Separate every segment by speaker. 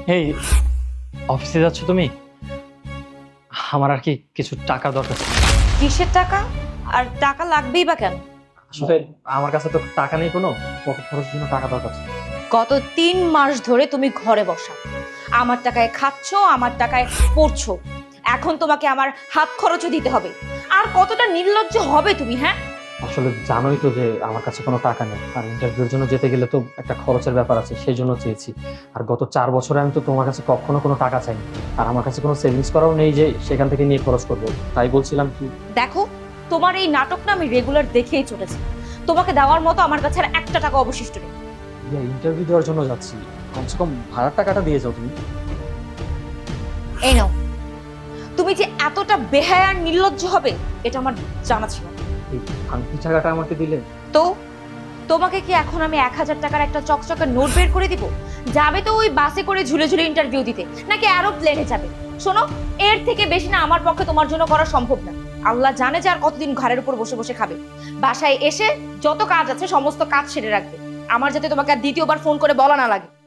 Speaker 1: এই অফিসে যাচ্ছ তুমি? আমার আর কি কিছু টাকা দরকার ছিল।
Speaker 2: কিসের টাকা? আর টাকা লাগবেই বা কেন?
Speaker 1: আসলে আমার কাছে তো টাকা নেই, কোনো পকেট খরচের জন্য টাকা দরকার ছিল।
Speaker 2: গত 3 মাস ধরে তুমি ঘরে বসা, আমার টাকায় খাচ্ছ, আমার টাকায় পড়ছো। এখন তোমাকে আমার হাত খরচও দিতে হবে। আর কতটা নির্লজ্জ হবে তুমি, হ্যাঁ?
Speaker 1: আসলে জানোই তো যে আমার কাছে কোনো টাকা নেই, আর ইন্টারভিউর জন্য যেতে গেলে তো একটা খরচের ব্যাপার আছে, সেই জন্য চেয়েছি। আর গত 4 বছরে আমি তো তোমার কাছে কখনো কোনো টাকা চাইনি, আর আমার কাছে কোনো সেভিংস করাও নেই যে সেখান থেকে নিয়ে খরচ করবো। তাই বলছিলাম কি,
Speaker 2: দেখো, তোমার এই নাটকটা আমি রেগুলার দেখেই চলেছি। তোমাকে দেওয়ার মতো আমার কাছে আর একটা টাকা অবশিষ্ট নেই।
Speaker 1: ইন্টারভিউ দেওয়ার জন্য যাচ্ছি, কমসে কম ভাড়ার টাকাটা দিয়ে যাও তুমি।
Speaker 2: এই নাও। তুমি যে এতটা বেহায়া আর নির্লজ্জ হবে এটা আমার জানা ছিল না।
Speaker 1: এই ভাঙতি টাকাটা আমাকে দিলে।
Speaker 2: তো তোমাকে কি এখন আমি 1000 টাকার একটা চকচকে নোট বের করে দিব? যাবে তো ওই বাসে করে ঝুলে ঝুলে ইন্টারভিউ দিতে, নাকি এরোপ্লেনে যাবে? শোনো, এর থেকে বেশি না আমার পক্ষে তোমার জন্য করা সম্ভব না। আল্লাহ জানে যে আর কতদিন ঘরের উপর বসে বসে খাবে। বাসায় এসে যত কাজ আছে সমস্ত কাজ সেরে রাখবে, আমার যাতে তোমাকে আর দ্বিতীয়বার ফোন করে বলা না লাগে।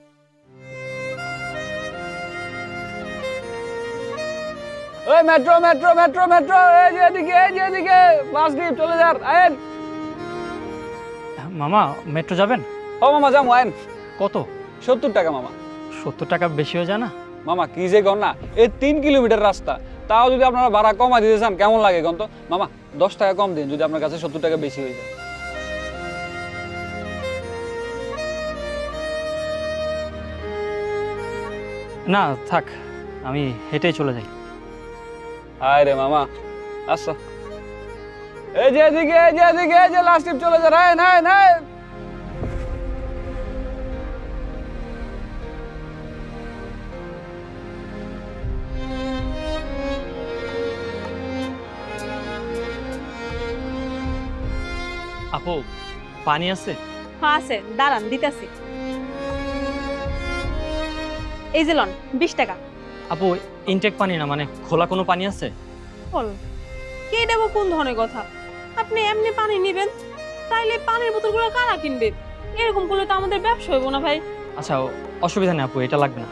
Speaker 3: ওই মেট্রো মেট্রো মেট্রো মেট্রো, এই যে এদিকে বাস ডিপ চলে যান, আয়েন।
Speaker 1: মামা, মেট্রো যাবেন?
Speaker 3: ও মামা যাম, আয়েন।
Speaker 1: কত?
Speaker 3: 70 টাকা মামা।
Speaker 1: 70 টাকা বেশি হয়ে যায় না?
Speaker 3: মামা কি যে কর না, এই 3 কিলোমিটার রাস্তা, তাও যদি আপনারা ভাড়া কমা দিতে চান কেমন লাগে কন তো? মামা 10 টাকা কম দিন যদি আপনার কাছে 70 টাকা বেশি হয়ে যায়।
Speaker 1: না থাক, আমি হেঁটেই চলে যাই।
Speaker 3: হায় রে মামা, আচ্ছা। এই যে এদিকে, এই যে লাস্ট টিপ চলে যান, আয়েন আয়েন আয়েন।
Speaker 1: আপু, পানি আছে?
Speaker 4: হ্যাঁ আছে, দাঁড়ান দিতেছি। এই যে লন 20 টাকা।
Speaker 1: আপু, ইনটেক পানি না, মানে খোলা কোনো পানি আছে?
Speaker 4: বল, কে দেবো কোন ধরনের কথা? আপনি এমনি পানি নেবেন, তাইলে পানির বোতলগুলো কারা কিনবে? এরকম করলে তো আমাদের ব্যবসা হইব না ভাই।
Speaker 1: আচ্ছা, অসুবিধা নেই আপু, এটা লাগবে না।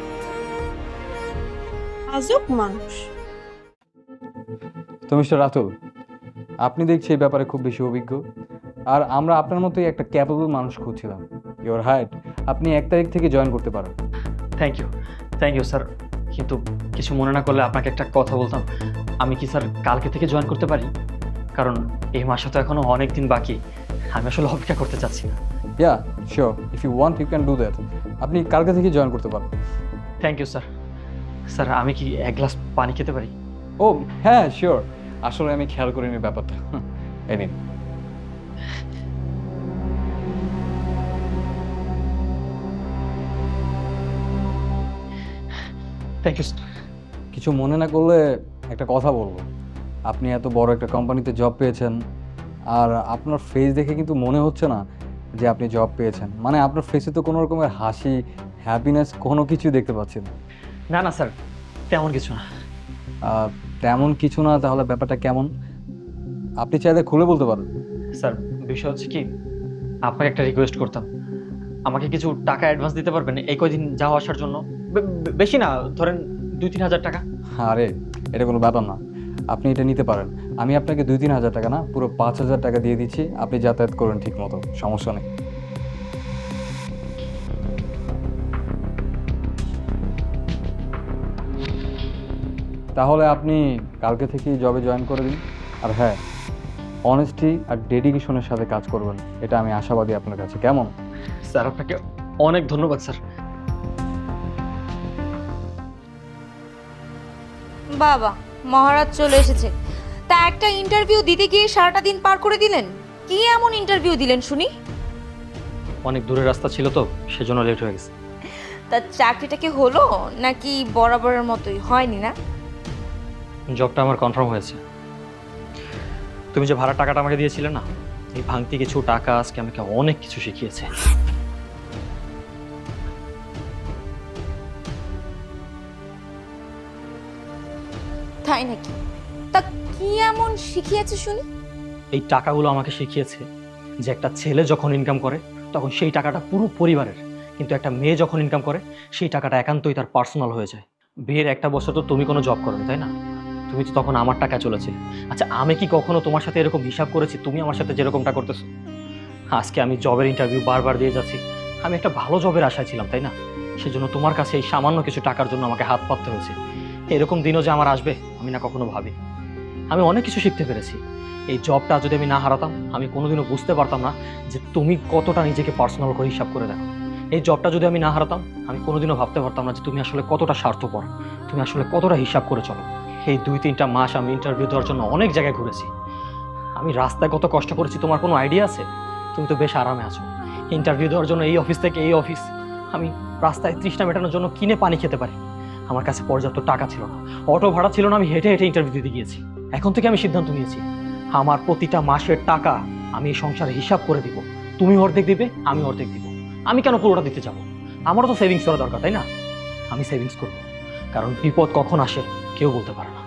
Speaker 4: আজব মানুষ।
Speaker 5: তো মিস্টার রাতুল, আপনি দেখছি এই ব্যাপারে খুব বেশি অভিজ্ঞ, আর আমরা আপনার মতোই একটা ক্যাপেবল মানুষ খুঁজছিলাম। ইওর হাইট, আপনি 1 তারিখ থেকে জয়েন করতে পারেন।
Speaker 1: থ্যাংক ইউ স্যার, কিন্তু কিছু মনে না করলে আপনাকে একটা কথা বলতাম। আমি কি স্যার কালকে থেকে জয়েন করতে পারি? কারণ এই মাসে তো এখনো অনেক দিন বাকি, আমি আসলে অপেক্ষা করতে চাচ্ছি না।
Speaker 5: Yeah sure, if you want you can do that. আপনি কালকে থেকে জয়েন করতে পারেন।
Speaker 1: Thank you sir. স্যার, আমি কি 1 গ্লাস পানি খেতে পারি?
Speaker 5: ও হ্যাঁ শিওর, আসলে আমি খেয়াল করিনি ব্যাপারটা। এই নিন।
Speaker 1: Thank you sir.
Speaker 5: কিছু মনে না করলে একটা কথা বলবো। আপনি এত বড় একটা কোম্পানিতে জব পেয়েছেন, আর আপনার ফেস দেখে কিন্তু মনে হচ্ছে না যে আপনি জব পেয়েছেন। মানে আপনার ফেসে তো কোনো রকমের হাসি, হ্যাপিনেস কোনো কিছু দেখতে পাচ্ছি না।
Speaker 1: না স্যার, তেমন কিছু না।
Speaker 5: তেমন কিছু না, তাহলে ব্যাপারটা কেমন? আপনি চাইলে খুলে বলতে পারেন।
Speaker 1: স্যার, বিষয় হচ্ছে কি, আপনাকে একটা রিকোয়েস্ট করতাম। আমাকে কিছু টাকা অ্যাডভান্স দিতে পারবেন এই কয়দিন যাওয়া আসার জন্য? বেশি না, ধরেন 2-3 হাজার টাকা।
Speaker 5: আরে এটা কোনো ব্যাপার না, আপনি এটা নিতে পারেন। আমি আপনাকে 2-3 হাজার টাকা না, পুরো 5,000 টাকা দিয়ে দিচ্ছি। আপনি যাতায়াত করুন ঠিক মতো, সমস্যা নেই। তাহলে আপনি কালকে থেকেই জবে জয়েন করে দিন। আর হ্যাঁ, অনেস্টি আর ডেডিকেশনের সাথে কাজ করবেন, এটা আমি আশাবাদী আপনার কাছে। কেমন?
Speaker 1: স্যার, আপনাকে অনেক ধন্যবাদ স্যার।
Speaker 2: বাবা, মহারাজ চলে এসেছে। তা একটা ইন্টারভিউ দিতে গিয়ে সারাটা দিন পার করে দিলেন। কি এমন ইন্টারভিউ দিলেন শুনি?
Speaker 1: অনেক দূরের রাস্তা ছিল তো, সেজন্য লেট হয়ে গেছে।
Speaker 2: তা চাকরিটা কি হলো নাকি বরাবরের মতোই? হয়নি না?
Speaker 1: জবটা আমার কনফার্ম হয়েছে। তুমি যে ভাড়া টাকাটা আমাকে দিয়েছিলে না, এই ভাঙতি কিছু টাকা আজকে আমাকে অনেক কিছু শিখিয়েছে।
Speaker 2: তাই নাকি? তা কি এমন শিখিয়েছে শুনি?
Speaker 1: এই টাকাগুলো আমাকে শিখিয়েছে যে একটা ছেলে যখন ইনকাম করে তখন সেই টাকাটা পুরো পরিবারের, কিন্তু একটা মেয়ে যখন ইনকাম করে সেই টাকাটা একান্তই তার পার্সোনাল হয়ে যায়। বিয়ের 1 বছর তো তুমি কোনো জব করোনি, তাই না? তুমি তো তখন আমার টাকা চলেছে। আচ্ছা, আমি কি কখনো তোমার সাথে এরকম হিসাব করেছি তুমি আমার সাথে যেরকমটা করতেছো? আজকে আমি জবের ইন্টারভিউ বারবার দিয়ে যাচ্ছি, আমি একটা ভালো জবের আশায় ছিলাম, তাই না? সেজন্য তোমার কাছে এই সামান্য কিছু টাকার জন্য আমাকে হাত পাততে হয়েছে। এরকম দিনও যে আমার আসবে আমি না কখনো ভাবি। আমি অনেক কিছু শিখতে পেরেছি। এই জবটা যদি আমি না হারাতাম আমি কোনোদিনও বুঝতে পারতাম না যে তুমি কতটা নিজেকে পার্সোনাল করে হিসাব করে দেখো। এই জবটা যদি আমি না হারাতাম আমি কোনোদিনও ভাবতে পারতাম না যে তুমি আসলে কতটা স্বার্থপর, তুমি আসলে কতটা হিসাব করে চলো। এই 2-3টা মাস আমি ইন্টারভিউ দেওয়ার জন্য অনেক জায়গায় ঘুরেছি। আমি রাস্তায় কত কষ্ট করেছি তোমার কোনো আইডিয়া আছে? তুমি তো বেশ আরামে আছো। ইন্টারভিউ দেওয়ার জন্য এই অফিস থেকে এই অফিস আমি রাস্তায় তৃষ্ণা মেটানোর জন্য কিনে পানি খেতে পারি। আমার কাছে পর্যাপ্ত টাকা ছিল না, অটো ভাড়া ছিল না, আমি হেঁটে হেঁটে ইন্টারভিউ দিতে গিয়েছি। এখন থেকে আমি সিদ্ধান্ত নিয়েছি আমার প্রতিটা মাসের টাকা আমি এই সংসারে হিসাব করে দিব। তুমি অর্ধেক দিবে, আমি অর্ধেক দিব। আমি কেন পুরোটা দিতে যাব? আমারও তো সেভিংস করা দরকার, তাই না? আমি সেভিংস করব, কারণ বিপদ কখন আসে কেউ বলতে পারে না।